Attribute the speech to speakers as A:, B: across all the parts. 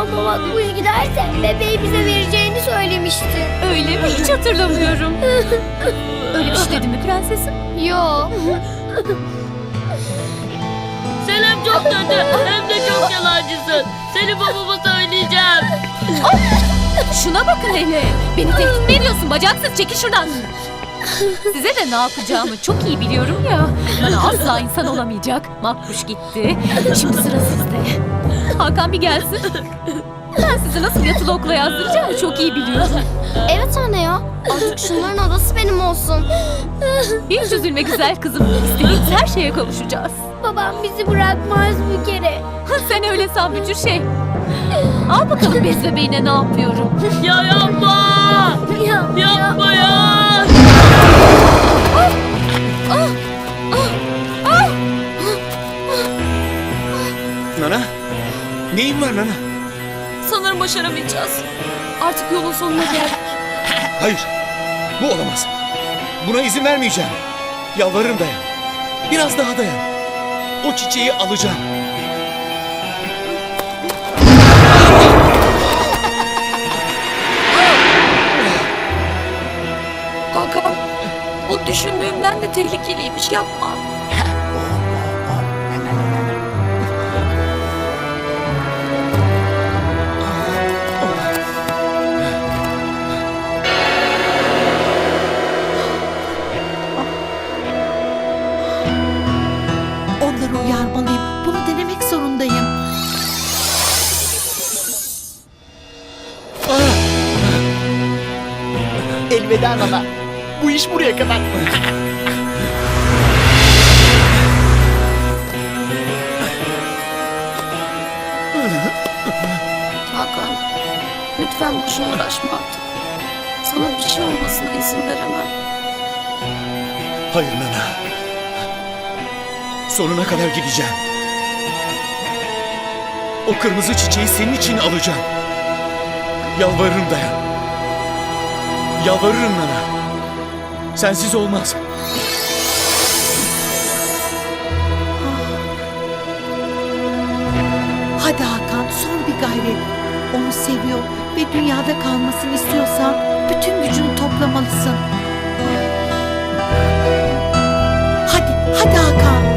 A: Ama Makbuş giderse bebeği bize vereceğini söylemişti.
B: Öyle mi? Hiç hatırlamıyorum. Öyle bir şey dedi mi prensesim?
A: Yo.
C: Selim çok kötü hem de çok yalancısın. Seni babama söyleyeceğim.
B: Şuna bakın hele. Beni tehdit mi ediyorsun bacaksız? Çekil şuradan. Size de ne yapacağımı çok iyi biliyorum ya. Bana asla insan olamayacak. Makbuş gitti. Şimdi sıra sizde. Hakan bir gelsin. Ben sizi nasıl yatılı okula yazdıracağımı çok iyi biliyorum.
A: Evet anne ya. Artık şunların adası benim olsun.
B: Hiç üzülme güzel kızım. İstediğiniz her şeye kavuşacağız.
A: Babam bizi bırakmaz bir kere.
B: Sen öyle san bücür şey. Al bakalım bez bebeğine ne yapıyorum.
C: Ya yapma. Yapma ya.
D: Nana? Neyin var Nana?
B: Sanırım başaramayacağız. Artık yolun sonuna geldik.
D: Hayır. Bu olamaz. Buna izin vermeyeceğim. Yalvarırım dayan. Biraz daha dayan. O çiçeği alacağım.
B: Hakan, bu düşündüğümden de tehlikeliymiş, yapma.
E: Onları uyarmalıyım. Bunu denemek zorundayım.
F: Elveda Nana. Bu iş buraya kadar.
B: Hakan, lütfen boşuna uğraşma artık. Sana bir şey olmasına izin veremem.
D: Hayır Nana. Sonuna kadar gideceğim. O kırmızı çiçeği senin için alacağım. Yalvarırım dayan. Yalvarırım Nana. Sensiz olmaz.
E: Hadi Hakan, son bir gayret. Onu seviyor ve dünyada kalmasını istiyorsan bütün gücünü toplamalısın. Hadi Hakan.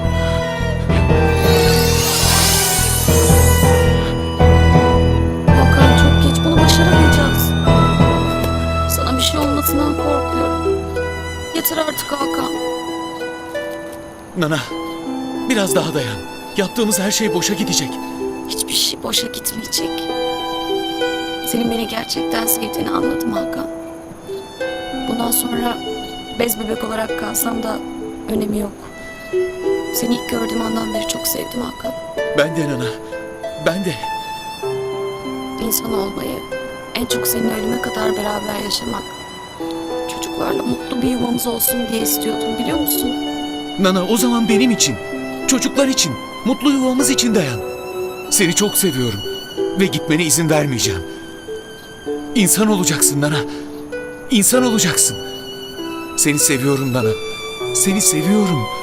B: Hakan çok geç, bunu başaramayacağız. Sana bir şey olmasından korkuyorum. Yeter artık Hakan.
D: Nana, biraz daha dayan. Yaptığımız her şey boşa gidecek.
B: Hiçbir şey boşa gitmeyecek. Senin beni gerçekten sevdiğini anladım Hakan. Bundan sonra bez bebek olarak kalsam da önemi yok. Seni ilk gördüğüm andan beri çok sevdim Hakan.
D: Ben de Nana, ben de.
B: İnsan olmayı, en çok seninle ölüme kadar beraber yaşamak, çocuklarla mutlu bir yuvamız olsun diye istiyordum, biliyor musun?
D: Nana, o zaman benim için, çocuklar için, mutlu yuvamız için dayan. Seni çok seviyorum ve gitmene izin vermeyeceğim. İnsan olacaksın Nana. İnsan olacaksın. Seni seviyorum Nana. Seni seviyorum.